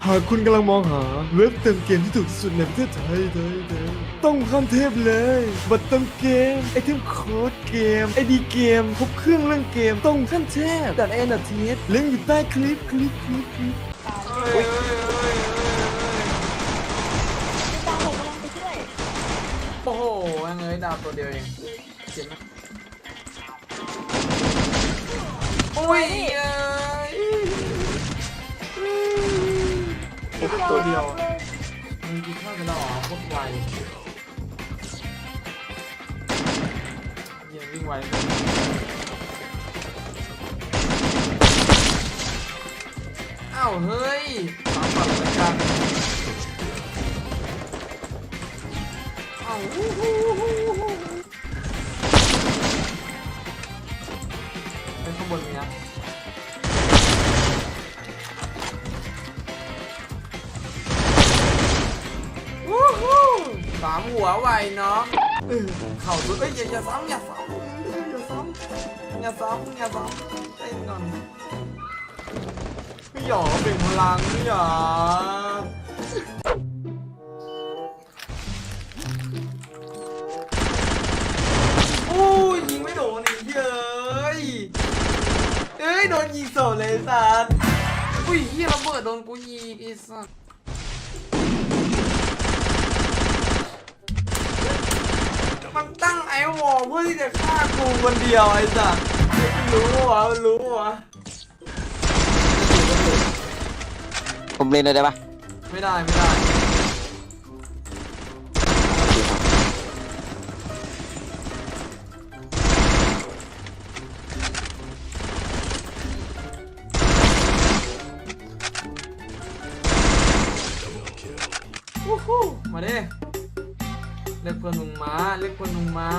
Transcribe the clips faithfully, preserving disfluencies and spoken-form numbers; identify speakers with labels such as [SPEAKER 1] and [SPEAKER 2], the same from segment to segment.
[SPEAKER 1] หากคุณกำลังมองหาเว็บเติมเกมที่ถูกที่สุดในประเทศไทยไทยไทยต้องขั้นเทพเลยบัตรเติมเกมไอเทมโค้ดเกมไอดีเกมครบเครื่องเรื่องเกมต้องขั้นเทพดัดเอ็นดัดทีเอสลิงก์อยู่ใต้คลิปคลิปคลิปคลิป
[SPEAKER 2] ตามผมกำลังไปช่วย
[SPEAKER 3] โอ้โหยังไงดาวตัวเดียวเองเจ็บไหมโอ้ยตัวเดียวมึงกินข้าวกันแล้วเหรอโคตรไวเยี่ยวิ่งไวอ้าวเฮ้ยตามฝันเลยกันอ้าวฮู้ฮู้ฮู้ฮู้ไปข้างบนมีนะวู้ฮู้สามหัวไวเนาะเออเข่าสุดเอ้ยอย่าอย่าซ้ำอย่าซ้ำอย่าซ้ำอย่าซ้ำอย่าซ้ำเต้นก่อนไม่หยอกเบ่งพลังไม่หยอกโอ้ยยิงไม่โดนอีกเย้ยเอ้ยโดนยิงโสดเลยสัสอุ้ยเฮียระเบิดโดนกูยิงไอ้สัสมันตั้งไอ้วอลเพื่อที่จะฆ่ากูคนเดียวไอ้สัสมันรู้วะมันรู้วะ
[SPEAKER 4] ผมเล่นเลยได้ปะ
[SPEAKER 3] ไม่ได้ไม่ได้วู้ฮู้มาดิเรียกเพื่อนมึงมาเรียกเพื่อนมึงมา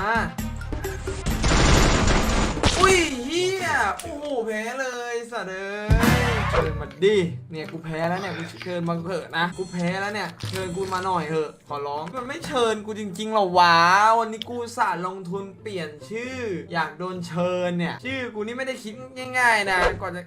[SPEAKER 3] อุ้ยเฮียโอ้โหแพ้เลยสัตว์เอ้ยเชิญมาดิเนี่ยกูแพ้แล้วเนี่ยกูเชิญมาเถอะนะกูแพ้แล้วเนี่ยเชิญกูมาหน่อยเถอะขอร้องมันไม่เชิญกูจริงๆหรอวะวันนี้กูสาดลงทุนเปลี่ยนชื่ออยากโดนเชิญเนี่ยชื่อกูนี่ไม่ได้คิดง่ายๆนะก่อนจะ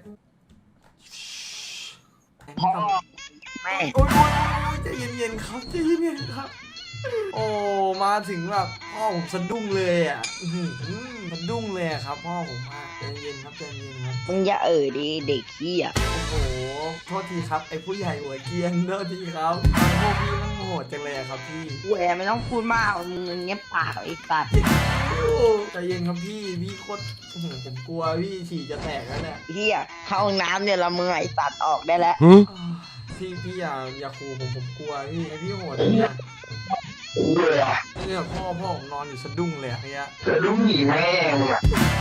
[SPEAKER 3] พ่อแม่โอ้ยโอ้ยโอ้ยใจเย็นๆครับใจเย็นๆครับโอ้มาถึงแบบพ่อผมสะดุ้งเลยอ่ะอื้อหือสะดุ้งเลยอะครับพ่อผมอะใจเย็นครับใจเย็นครับ
[SPEAKER 4] มึงอย่าเอ่ยดิเด็กขี้อ่ะ
[SPEAKER 3] โอ้โหโทษทีครับไอ้ผู้ใหญ่หัวเกรียนโทษทีครับพวกพี่มันโหดจังเลยอะครับพี่
[SPEAKER 4] แหวไม่ต้องพูดมากมึงเงียบปากไอ้สัตว์
[SPEAKER 3] โอ้ใจเย็นครับพี่พี่โคตรอื้อหือผมกลัวพี่ฉี่จะแตกแล้วเนี่ย
[SPEAKER 4] เฮียเข้าห้องน้ำเนี่ยละมึงไอ้สัตว์ออกได้แล้ว
[SPEAKER 3] อ้าวพี่พี่อย่าอย่าขู่ผมผมกลัวพี่ไอ้พี่โหดอะเนี่ยเนี่ยพ่อพ่อผมนอนอยู่สะดุ้งเลยอะเนี่ย
[SPEAKER 5] สะดุ้งหนีแม่งอ่ะ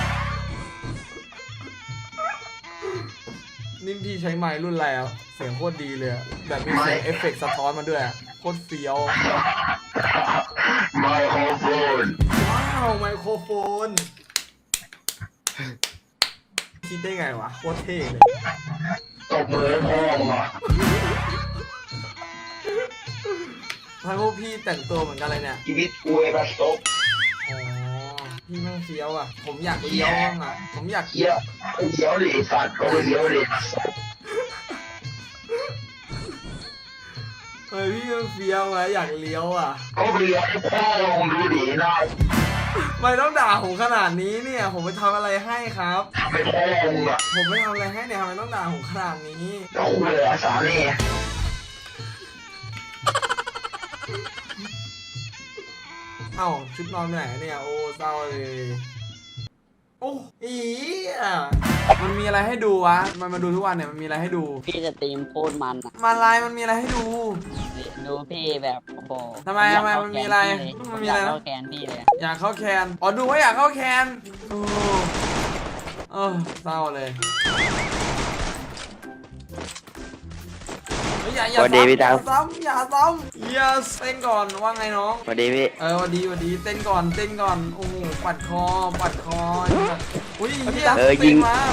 [SPEAKER 3] นี่พี่ใช้ไมค์รุ่นอะไรอะเสียงโคตรดีเลยอะแบบมีเสียงเอฟเฟกต์สะท้อนมาด้วยอะโคตรเฟี้ยว
[SPEAKER 5] ไมโครโฟน
[SPEAKER 3] ว้าวไมโครโฟนคิดได้ไงวะโคตรเท่เลย
[SPEAKER 5] ตบมือให้พ่อมึงอ่ะ
[SPEAKER 3] ถ้าพวกพี่แต่งตัวเหมือนกันเลยเนี่ย
[SPEAKER 5] ชีวิตกูไอ้บัสโต๊ะ
[SPEAKER 3] อ๋อพี่แม่งเฟี้ยวอ่ะผมอยากเลี้ยวบ้างอ่ะผมอยาก
[SPEAKER 5] เหี้ยเลี้ยวดิสัตว์ก็ไปเลี้ยวดิ
[SPEAKER 3] เฮ้ยพี่แม่งเฟี้ยวอ่ะอยากเลี้ยวอ่ะ
[SPEAKER 5] ก็ไปเลี้ยวให้พ่อลงดูดินะ
[SPEAKER 3] ไม่ต้องด่าผมขนาดนี้เนี่ยผมไปทำอะไรให้ครับ
[SPEAKER 5] ทำให้พ่อมึงอ่ะ
[SPEAKER 3] ผมไม่ทำอะไรให้เนี่ยทำไมต้องด่าผมขนาดนี้
[SPEAKER 5] แล้วคุยเลยอาสาเนี่ย
[SPEAKER 3] เอ้าชุดนอนไปไหนเนี่ยโอ้เศร้าเลยโอ้อีอ่ะมันมีอะไรให้ดูวะมันมาดูทุกวันเนี่ยมันมีอะไรให้ดู
[SPEAKER 4] พี่จะตีมโคตรมันอ่ะ
[SPEAKER 3] มาไลน์มันมีอะไรให้ดู
[SPEAKER 4] ดูพี่แบบโอ้โห
[SPEAKER 3] ทำไมทำไมมันมีอะไรมันมีอะไรนะ
[SPEAKER 4] เข้าแกนพี่เลย
[SPEAKER 3] อยากเข้าแคนอ๋อดูว่าอยากเข้าแคนโอ้เออเศร้าเลยเฮ้ยอย่าอย่าซ้ำอย่าซ้ำอย่าซ้ำอย่าเต้นก่อนว่าไงน้อง
[SPEAKER 4] สวัสดีพี่
[SPEAKER 3] เออวันดีวันดีเต้นก่อนเต้นก่อนโอ้โหปัดคอปัดคออุ้ยเฮีย
[SPEAKER 4] เออยิง
[SPEAKER 3] ต้นมา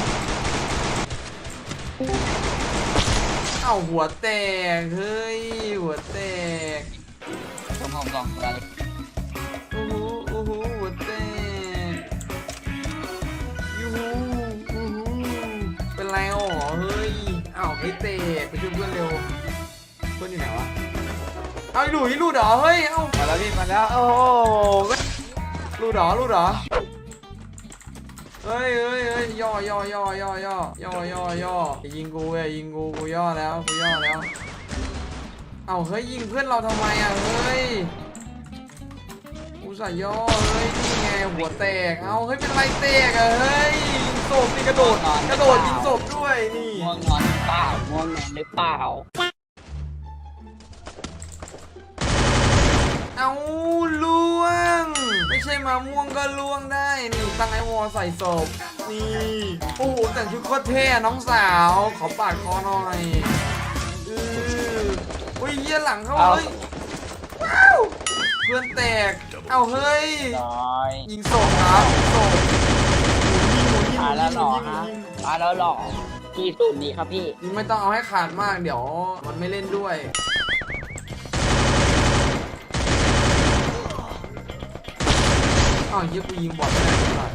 [SPEAKER 3] เอ้าหัวแตกเฮ้ยหัวแตก
[SPEAKER 4] ผมผมสองตัวเลย
[SPEAKER 3] โอ้โหโอ้โหหัวแตกยูฮูยูฮูเป็นไรอ๋อเฮ้ยอ้าวไม่แตกไปช่วยเพื่อนเร็วเอาไอ้หลุยรูดเหรอเฮ้ยเอ้า
[SPEAKER 6] มาแล้วพี่มาแล้วโอ้โห
[SPEAKER 3] รูดเหรอรูดเหรอเฮ้ยเฮ้ยเฮ้ยย่อย่อย่อย่อย่อย่อย่อย่ออย่ายิงกูอย่ายิงกูกูย่อแล้วกูย่อแล้วเอ้าเฮ้ยยิงเพื่อนเราทำไมอ่ะเฮ้ยกูใส่ย่อเฮ้ยนี่ไงหัวแตกเอ้าเฮ้ยเป็นไรแตกอ่ะเฮ้ยยิงศพนี่กระโดดกระโดดยิงศพด้วยนี่
[SPEAKER 4] ง่วงนอนหรือเปล่าง่วงนอนหรือเปล่า
[SPEAKER 3] เอาล่วงไม่ใช่มาม่วงก็ล่วงได้นี่ตั้งไอวอใส่ศพนี่โอ้โหแต่งชุดโคตรเท่น้องสาวขอปาดคอหน่อยอืออุ้ยเยี่ยหลังเขาเฮ้ยว้าวเพื่อนแตกเอาเฮ้ย
[SPEAKER 4] น้อย
[SPEAKER 3] ยิงศพครับยิงศพ
[SPEAKER 4] ตายแล้วหรอฮะตายแล้วหรอพี่สูตรนี้ครับพี่
[SPEAKER 3] ยิงไม่ต้องเอาให้ขาดมากเดี๋ยวมันไม่เล่นด้วยอ้าวเยี่ยกูยิงบอลไม่ได้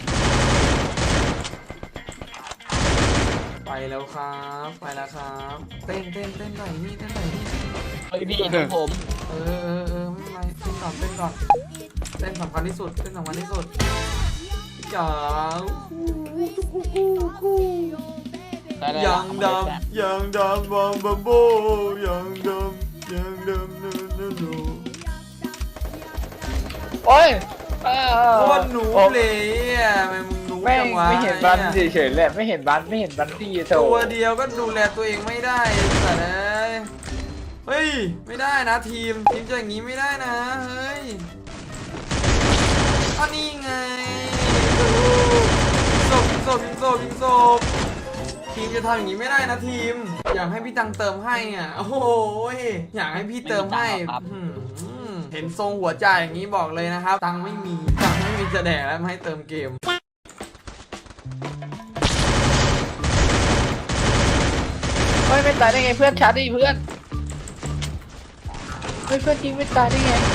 [SPEAKER 3] ไปแล้วครับไปแล้วครับเต้นเต้นเต้นหน่อยนี่เต้นหน่อยนี่
[SPEAKER 4] เฮ้ยพี่ของผม
[SPEAKER 3] เออเออเออไม่เป็นไรเต้นก่อนเต้นก่อนเต้นสำคัญที่สุดเต้นสำคัญที่สุดจ๋า
[SPEAKER 4] ได้ได้
[SPEAKER 3] ยังดำยังดำบอมบัมโบยังดำยังดำนูนูนู
[SPEAKER 6] โอ้ย
[SPEAKER 3] โคตรหนูเลยอ่ะทำไมมึงรู้
[SPEAKER 6] ไม่
[SPEAKER 3] จังวะ
[SPEAKER 6] ไม่เห็นบันเฉยๆแหละไม่เห็นบันไม่เห็นบันที่โถ
[SPEAKER 3] ตัวเดียวก็ดูแลตัวเองไม่ได้แต่เอ้ยเฮ้ยไม่ได้นะทีมทีมจะอย่างนี้ไม่ได้นะเฮ้ยอันนี้ไงศพศพยิงศพยิงศพทีมจะทำอย่างนี้ไม่ได้นะทีม อยากให้พี่ตังเติมให้อ่ะโอ้โหอยากให้พี่เติมให้อืมเห็นทรงหัวใจอย่างนี้บอกเลยนะครับตังไม่มีตังไม่มีจะแดกแล้วไม่ให้เติมเกม
[SPEAKER 6] เฮ้ยไม่ตายได้ไงเพื่อนชาร์จดิเพื่อนเฮ้ยเพื่อนจริงไม่ตายได้ไง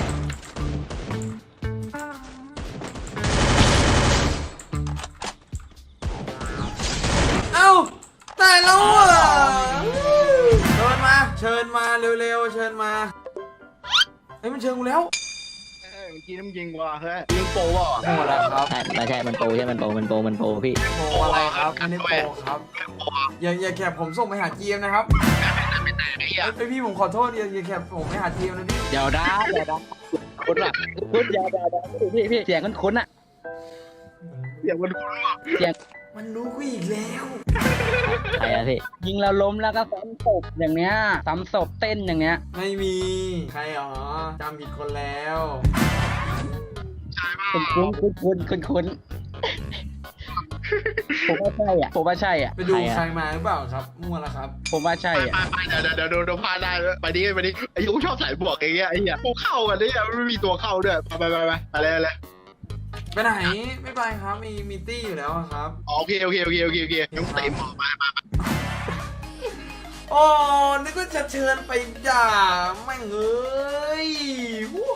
[SPEAKER 3] เอ้าตายแล้วอ่ะเชิญมาเชิญมาเร็วๆเชิญมาเฮ้ยมันเชิญกูแล้ว
[SPEAKER 7] เมื่อกี้น้ำยิงว่ะเฮ้ยยิงโปว่ะ
[SPEAKER 3] โอ้แล้วครับ
[SPEAKER 4] ใช่ไม่ใช่มันโปรใช่มันโปรมันโปรมันโปรพี่
[SPEAKER 3] โปรอะไรครับไม่ได้โปรครับอย่าอย่าแคบผมส่งไปหาจีเอ็มนะครับไอพี่ผมขอโทษอย่าอย่าแคบผมไปหาจีเอ็มนะพี่
[SPEAKER 4] เดี๋ยวนะเดี๋ยวนะคุณอะคุณอย่าอย่าอย่าพี่พี่เสียงคุณคุ้นๆอะ
[SPEAKER 7] เสียงมันคุ้นว่ะ
[SPEAKER 4] เสียง
[SPEAKER 3] มันรู้กูอีกแล้ว
[SPEAKER 4] ใครอะพี่ยิงแล้วล้มแล้วก็ซ้ำศพอย่างเนี้ยซ้ำศพเต้นอย่างเนี้ย
[SPEAKER 3] ไม่มีใครหรอจำผิดคนแล้ว
[SPEAKER 4] คุณคุ้นคุณคุ้นคุณคุ้นผมว่าใช่อ่ะผมว่าใช่อ่ะ
[SPEAKER 3] ไปดู
[SPEAKER 4] ใคร
[SPEAKER 3] ใคร
[SPEAKER 4] อะ
[SPEAKER 3] มาหรือเปล่าครับมั่วแล้วครับ
[SPEAKER 4] ผมว่าใช่อ่ะ
[SPEAKER 7] ไปไปเดี๋ยวเดี๋ยวเดี๋ยวโดนพลาดได้เลยไปดิไปดิไอ้ยูชอบใส่บวกอย่างเงี้ยไอ้เหี้ยกูเข้ากันเนี่ยไม่มีตัวเข้าด้วยไปไปไปไปอะไรอะไร
[SPEAKER 3] ไปไหนไม่ไปครับมีมีตี้อยู่แล้วอะครับ
[SPEAKER 7] โอเคโอเคโอเคโอเคโอเคยังเต็มออกมามา
[SPEAKER 3] โอ้นึกว่าจะเชิญไปด่าแม่งเอ้ยวู้